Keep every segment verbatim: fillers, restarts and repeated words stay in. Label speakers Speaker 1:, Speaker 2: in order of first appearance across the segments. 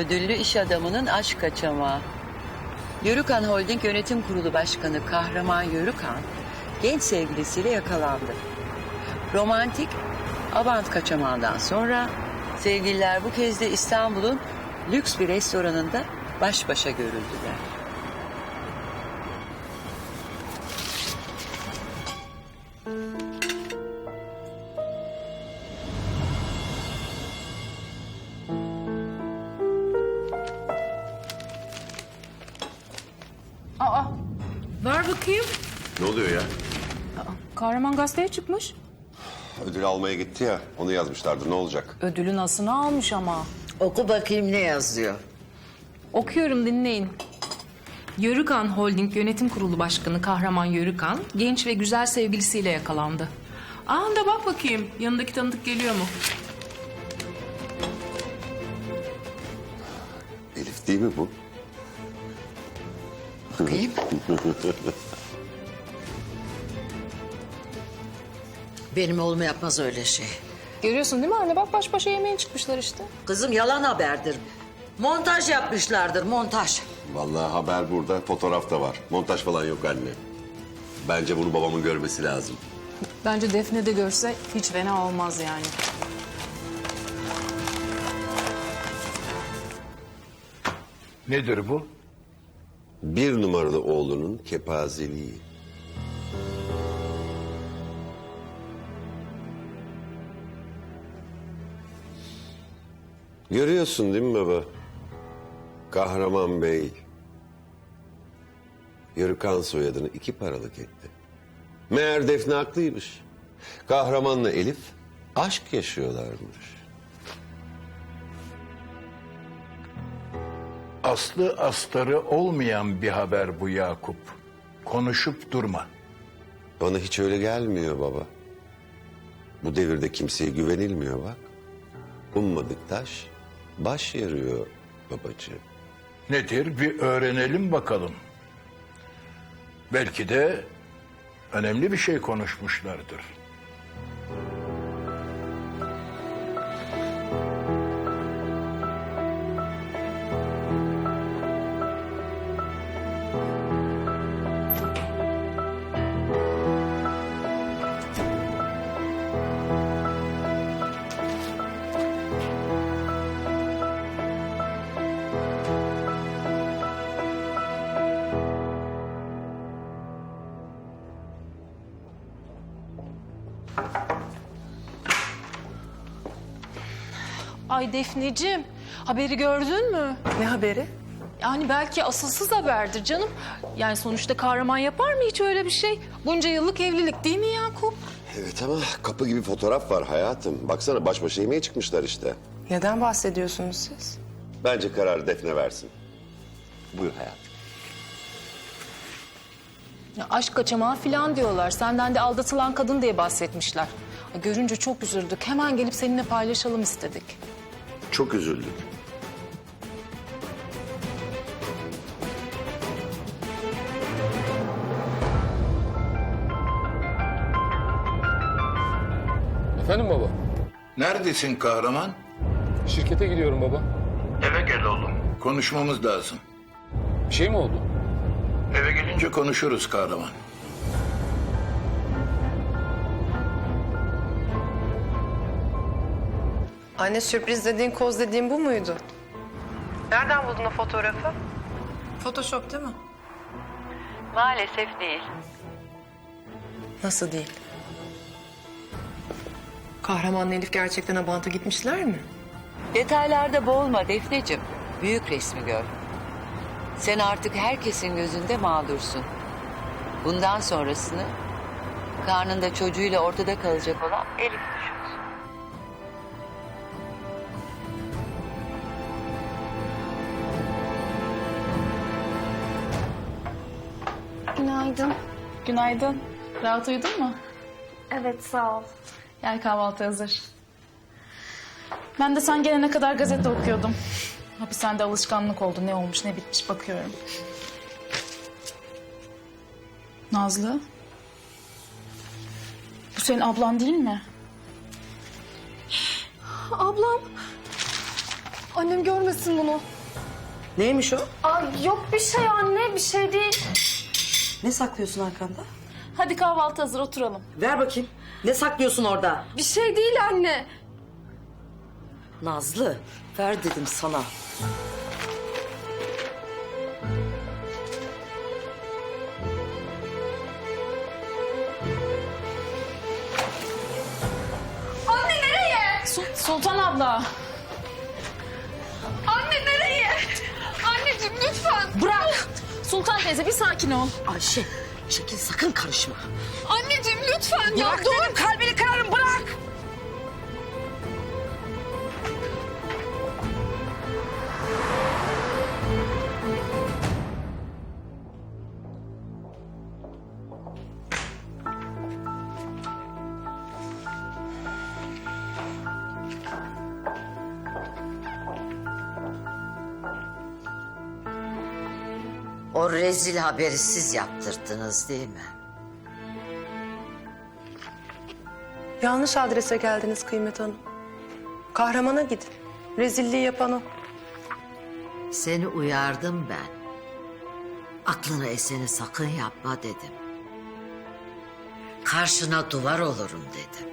Speaker 1: ödüllü iş adamının aşk kaçamağı. Yörükan Holding Yönetim Kurulu Başkanı Kahraman Yörükan genç sevgilisiyle yakalandı. Romantik Abant kaçamağından sonra sevgililer bu kez de İstanbul'un lüks bir restoranında baş başa görüldüler.
Speaker 2: Aa, ver bakayım.
Speaker 3: Ne oluyor ya?
Speaker 2: Kahraman gazeteye çıkmış.
Speaker 3: Ödül almaya gitti ya, onu yazmışlardı. Ne olacak?
Speaker 2: Ödülün asını almış ama.
Speaker 1: Oku bakayım ne yazıyor.
Speaker 2: Okuyorum, dinleyin. Yörükan Holding Yönetim Kurulu Başkanı Kahraman Yörükan, genç ve güzel sevgilisiyle yakalandı. Aa da bak bakayım, yanındaki tanıdık geliyor mu?
Speaker 3: Elif değil mi bu?
Speaker 1: Bakayım. Benim oğlum yapmaz öyle şey.
Speaker 2: Görüyorsun değil mi anne? Bak baş başa yemeğe çıkmışlar işte.
Speaker 1: Kızım yalan haberdir. Montaj yapmışlardır, montaj.
Speaker 3: Vallahi haber burada, fotoğraf da var. Montaj falan yok anne. Bence bunu babamın görmesi lazım.
Speaker 2: Bence Defne de görse hiç fena olmaz yani.
Speaker 4: Nedir bu?
Speaker 3: Bir numaralı oğlunun kepazeliği. Görüyorsun değil mi baba? Kahraman Bey, Yörükan soyadını iki paralık etti. Meğer Defne haklıymış. Kahramanla Elif aşk yaşıyorlarmış.
Speaker 4: Aslı astarı olmayan bir haber bu Yakup. Konuşup durma.
Speaker 3: Bana hiç öyle gelmiyor baba. Bu devirde kimseye güvenilmiyor bak. Ummadık taş baş yarıyor babacığım.
Speaker 4: Nedir bir öğrenelim bakalım. Belki de önemli bir şey konuşmuşlardır.
Speaker 2: Ay Defneciğim, haberi gördün mü?
Speaker 5: Ne haberi?
Speaker 2: Yani belki asılsız haberdir canım. Yani sonuçta kahraman yapar mı hiç öyle bir şey? Bunca yıllık evlilik değil mi Yakup?
Speaker 3: Evet ama kapı gibi fotoğraf var hayatım. Baksana baş başa yemeğe çıkmışlar işte.
Speaker 5: Neden bahsediyorsunuz siz?
Speaker 3: Bence kararı Defne versin. Buyur hayatım.
Speaker 2: Ya aşk kaçamağı falan diyorlar. Senden de aldatılan kadın diye bahsetmişler. Ay, görünce çok üzüldük. Hemen gelip seninle paylaşalım istedik.
Speaker 3: Çok üzüldüm.
Speaker 6: Efendim baba?
Speaker 4: Neredesin kahraman?
Speaker 6: Şirkete gidiyorum baba.
Speaker 4: Eve gel oğlum. Konuşmamız lazım.
Speaker 6: Bir şey mi oldu?
Speaker 4: Eve gelince konuşuruz kahraman.
Speaker 5: Anne sürpriz dediğin, koz dediğin bu muydu? Nereden buldun o fotoğrafı? Photoshop değil mi?
Speaker 1: Maalesef değil.
Speaker 5: Nasıl değil? Kahramanla Elif gerçekten Abant'a gitmişler mi?
Speaker 1: Detaylarda boğulma Defneciğim. Büyük resmi gör. Sen artık herkesin gözünde mağdursun. Bundan sonrasını karnında çocuğuyla ortada kalacak olan Elif düşünsün.
Speaker 7: Günaydın.
Speaker 2: Günaydın. Rahat uyudun mu?
Speaker 7: Evet, sağ ol.
Speaker 2: Gel kahvaltı hazır. Ben de sen gelene kadar gazete okuyordum. Hapishanede alışkanlık oldu. Ne olmuş ne bitmiş bakıyorum. Nazlı. Bu senin ablan değil mi?
Speaker 7: Ablam. Annem görmesin bunu.
Speaker 8: Neymiş o?
Speaker 7: Aa, yok bir şey anne, bir şey değil.
Speaker 8: Ne saklıyorsun arkanda?
Speaker 7: Hadi kahvaltı hazır, oturalım.
Speaker 8: Ver bakayım. Ne saklıyorsun orada?
Speaker 7: Bir şey değil anne.
Speaker 8: Nazlı, ver dedim sana.
Speaker 7: Anne nereye?
Speaker 2: Sul- Sultan abla.
Speaker 7: Anne nereye? Anneciğim lütfen.
Speaker 2: Bırak. Sultan teyze bir sakin ol.
Speaker 8: Ayşe, çekil sakın karışma.
Speaker 7: Anneciğim lütfen ya
Speaker 8: Bırak
Speaker 7: dur.
Speaker 8: dedim, kalbini kırarım, bırak.
Speaker 9: O rezil haberi siz yaptırdınız değil mi?
Speaker 5: Yanlış adrese geldiniz Kıymet Hanım. Kahramana gidin. Rezilliği yapan o.
Speaker 9: Seni uyardım ben. Aklına eseni sakın yapma dedim. Karşına duvar olurum dedim.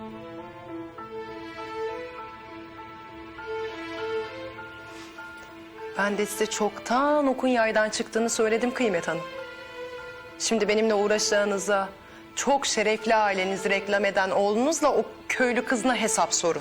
Speaker 5: Ben de size çoktan okun yaydan çıktığını söyledim Kıymet Hanım. Şimdi benimle uğraşacağınıza çok şerefli ailenizi reklam eden oğlunuzla o köylü kızına hesap sorun.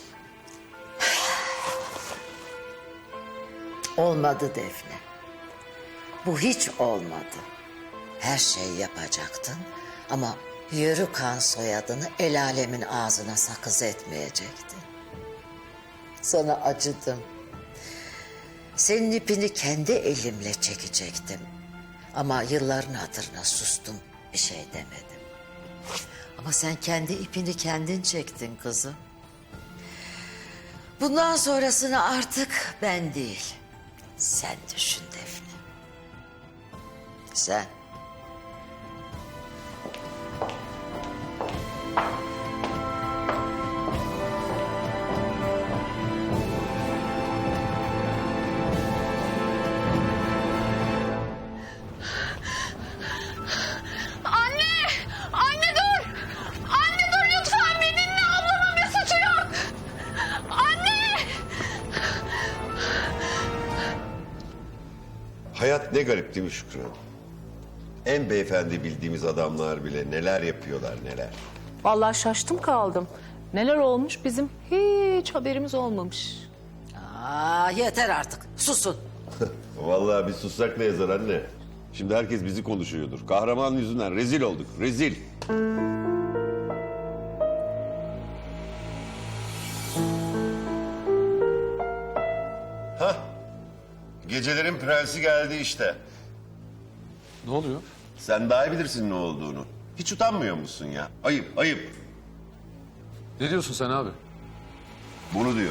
Speaker 9: Olmadı Defne. Bu hiç olmadı. Her şeyi yapacaktın ama Yörükan soyadını el alemin ağzına sakız etmeyecektin. Sana acıdım. Senin ipini kendi elimle çekecektim. Ama yılların hatırına sustum, bir şey demedim. Ama sen kendi ipini kendin çektin kızım. Bundan sonrasını artık ben değil, sen düşün Defne. Sen.
Speaker 7: Anne! Anne dur! Anne dur lütfen, beni dinle, ablamın bir suçu yok. Anne!
Speaker 3: Hayat ne garip değil mi Şükran? En beyefendi bildiğimiz adamlar bile neler yapıyorlar neler.
Speaker 2: Vallahi şaştım kaldım. Neler olmuş bizim hiç haberimiz olmamış.
Speaker 9: Aa, yeter artık, susun.
Speaker 3: Vallahi bir sussak ne yazar anne? Şimdi herkes bizi konuşuyordur. Kahraman yüzünden rezil olduk, rezil. Hah, gecelerin prensi geldi işte.
Speaker 6: Ne oluyor?
Speaker 3: Sen daha iyi bilirsin ne olduğunu. Hiç utanmıyor musun ya? Ayıp, ayıp.
Speaker 6: Ne diyorsun sen abi?
Speaker 3: Bunu diyorum.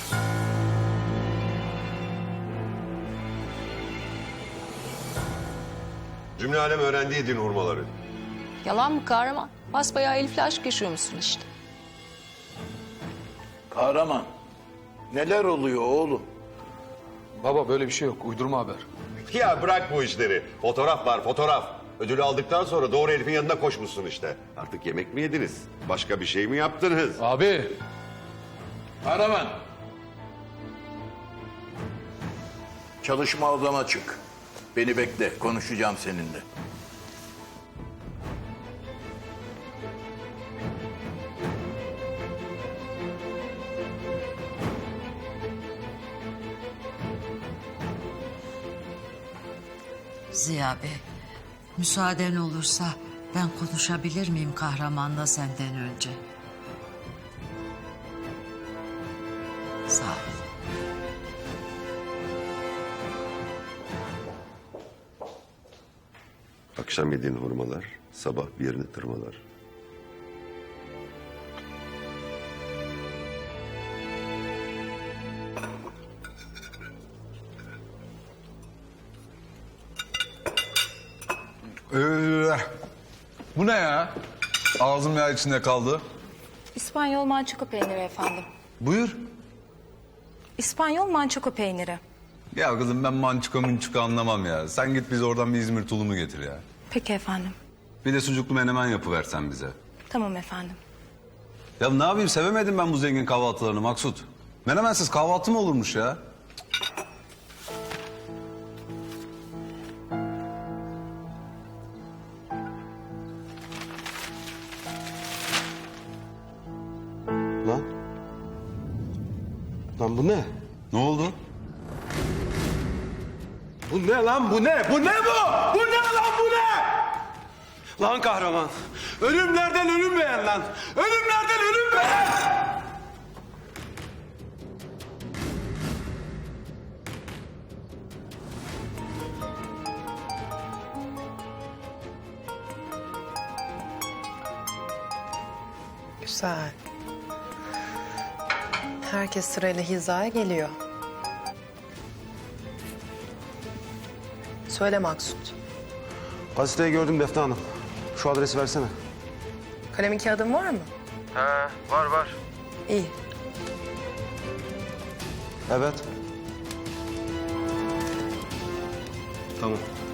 Speaker 3: Cümle alem öğrendi din hurmaları.
Speaker 2: Yalan mı kahraman? Basbayağı Elif'le aşk yaşıyormuşsun işte.
Speaker 4: Kahraman, neler oluyor oğlum?
Speaker 6: Baba böyle bir şey yok. Uydurma haber.
Speaker 3: Ya bırak bu işleri. Fotoğraf var, fotoğraf. Ödülü aldıktan sonra doğru Elif'in yanına koşmuşsun işte. Artık yemek mi yediniz? Başka bir şey mi yaptınız?
Speaker 6: Abi.
Speaker 4: Kahraman. Çalışma odama çık. Beni bekle, konuşacağım seninle.
Speaker 9: Ziya Bey, müsaaden olursa ben konuşabilir miyim kahramanla senden önce? Sağ ol.
Speaker 3: Akşam yediğin hurmalar, sabah bir yerini tırmalar.
Speaker 10: Ee, bu ne ya? Ağzım yağ içinde kaldı.
Speaker 7: İspanyol mançuko peyniri efendim.
Speaker 10: Buyur.
Speaker 11: İspanyol mançoko peyniri.
Speaker 10: Ya kızım ben mançuka mınçuka anlamam ya. Sen git bize oradan bir İzmir tulumu getir ya.
Speaker 11: Peki efendim.
Speaker 10: Bir de sucuklu menemen yapıversen bize.
Speaker 11: Tamam efendim.
Speaker 10: Ya ne yapayım sevemedim ben bu zengin kahvaltılarını Maksut. Menemensiz kahvaltı mı olurmuş ya?
Speaker 3: Lan. Lan bu ne?
Speaker 10: Ne oldu?
Speaker 12: Bu ne lan bu ne? Bu ne bu? Bu ne lan bu ne? Lan kahraman. Ölümlerden ölüm beğen lan. Ölümlerden ölüm beğen.
Speaker 5: Güzel. Herkes sırayla hizaya geliyor. Söyle Maksut.
Speaker 12: Gazeteyi gördüm Defne Hanım. Şu adresi versene.
Speaker 5: Kalemin kağıdın var mı?
Speaker 12: He var var.
Speaker 5: İyi.
Speaker 12: Evet. Tamam.